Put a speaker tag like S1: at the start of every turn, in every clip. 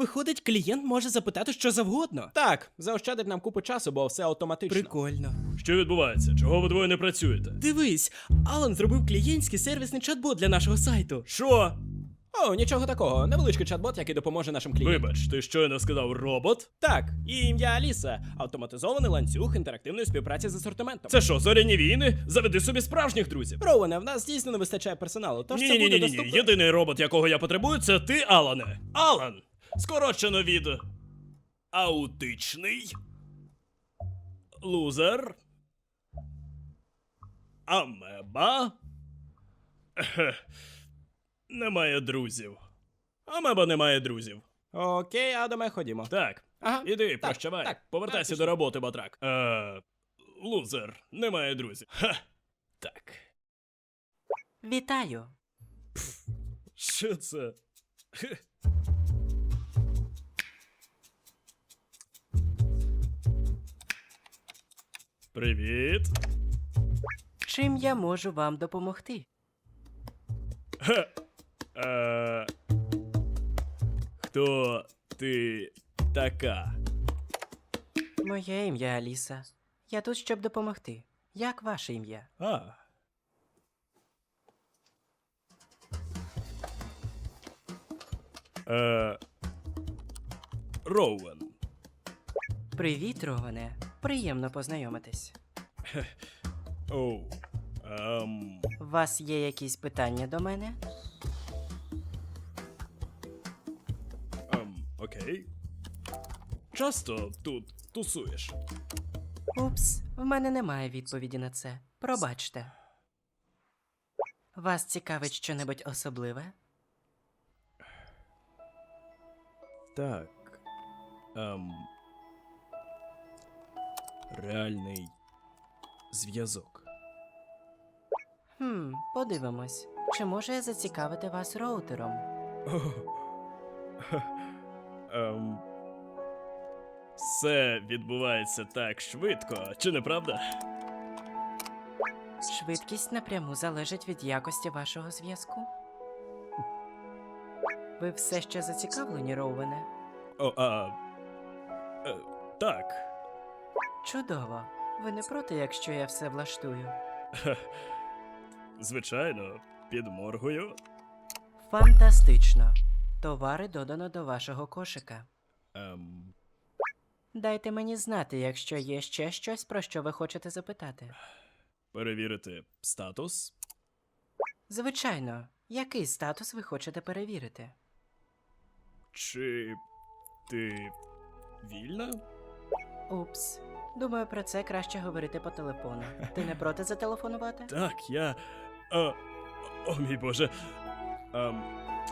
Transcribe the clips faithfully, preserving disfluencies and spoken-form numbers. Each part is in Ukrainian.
S1: Виходить, клієнт може запитати що завгодно.
S2: Так, заощадить нам купу часу, бо все автоматично.
S1: Прикольно.
S3: Що відбувається? Чого ви двоє не працюєте?
S1: Дивись, Алан зробив клієнтський сервісний чат-бот для нашого сайту.
S3: Що?
S2: О, нічого такого. Невеличкий чат-бот, який допоможе нашим клієнтам.
S3: Вибач, ти щойно сказав робот?
S2: Так, і ім'я Аліса. Автоматизований ланцюг інтерактивної співпраці з асортиментом.
S3: Це що, зоряні війни? Заведи собі справжніх друзів.
S2: Роуене, в нас дійсно не вистачає персоналу, тож
S3: Ні,
S2: це
S3: ні,
S2: буде
S3: ні, ні, ні.
S2: доступно.
S3: Єдиний робот, якого я потребую, це ти, Алане. Алан! Скорочено від аутичний. Лузер. Амеба. Ехе. Немає друзів. Амеба не має друзів.
S2: Окей, Адаме, ходімо.
S3: Так.
S2: Ага.
S3: Іди,
S2: Так,
S3: прощавай.
S2: так,
S3: Повертайся
S2: так,
S3: до роботи, батрак. Е, лузер, немає друзів. Ха. Так.
S1: Вітаю.
S3: Що це? Хе. Привіт.
S1: Чим я можу вам допомогти?
S3: Ха. Е, хто ти така?
S1: Моє ім'я Аліса. Я тут, щоб допомогти. Як ваше ім'я?
S3: А. Е, Роуен.
S1: Привіт, Роване. Приємно познайомитись.
S3: Оу. Ем.
S1: У вас є якісь питання до мене?
S3: Ем, окей. Часто тут тусуєш?
S1: Упс, в мене немає відповіді на це. Пробачте. Вас цікавить щонебудь особливе?
S3: Так. Ем. Реальний зв'язок.
S1: Хм, подивимось. Чи можу я зацікавити вас роутером?
S3: Ем. Все відбувається так швидко, чи не правда?
S1: Швидкість напряму залежить від якості вашого зв'язку. Ви все ще зацікавлені, Роуене?
S3: О, а. Е, так.
S1: Чудово. Ви не проти, якщо я все влаштую?
S3: Звичайно, підморгую.
S1: Фантастично. Товари додано до вашого кошика.
S3: Ем.
S1: Дайте мені знати, якщо є ще щось, про що ви хочете запитати.
S3: Перевірити статус.
S1: Звичайно, який статус ви хочете перевірити?
S3: Чи ти вільна?
S1: Упс. Думаю, про це краще говорити по телефону. Ти не проти зателефонувати?
S3: Так, я. О, о мій Боже. Ем.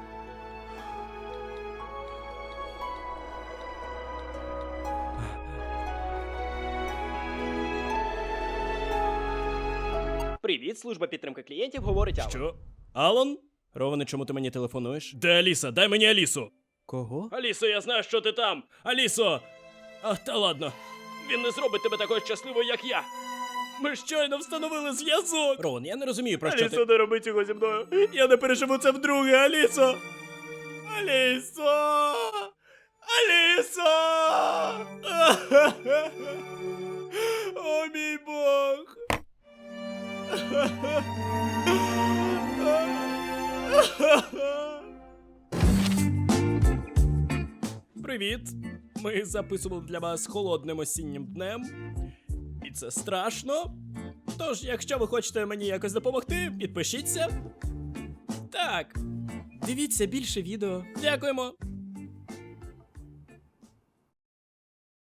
S2: Привіт, служба підтримки клієнтів, говорить Алан.
S3: Що? Алан?
S2: Роване, чому ти мені телефонуєш?
S3: Де Аліса? Дай мені Алісу.
S2: Кого?
S3: Алісо, я знаю, що ти там. Алісо! А, та ладно. Він не зробить тебе такою щасливою, як я. Ми щойно встановили зв'язок.
S2: Роуен, я не розумію, про що
S3: Алісо,
S2: ти...
S3: не роби цього зі мною. Я не переживу це вдруге, Алісо. Алісо! Алісо! О, мій Бог!
S2: Привіт! Ми записували для вас холодним осіннім днем. І це страшно. Тож, якщо ви хочете мені якось допомогти, підпишіться. Так. Дивіться більше відео. Дякуємо.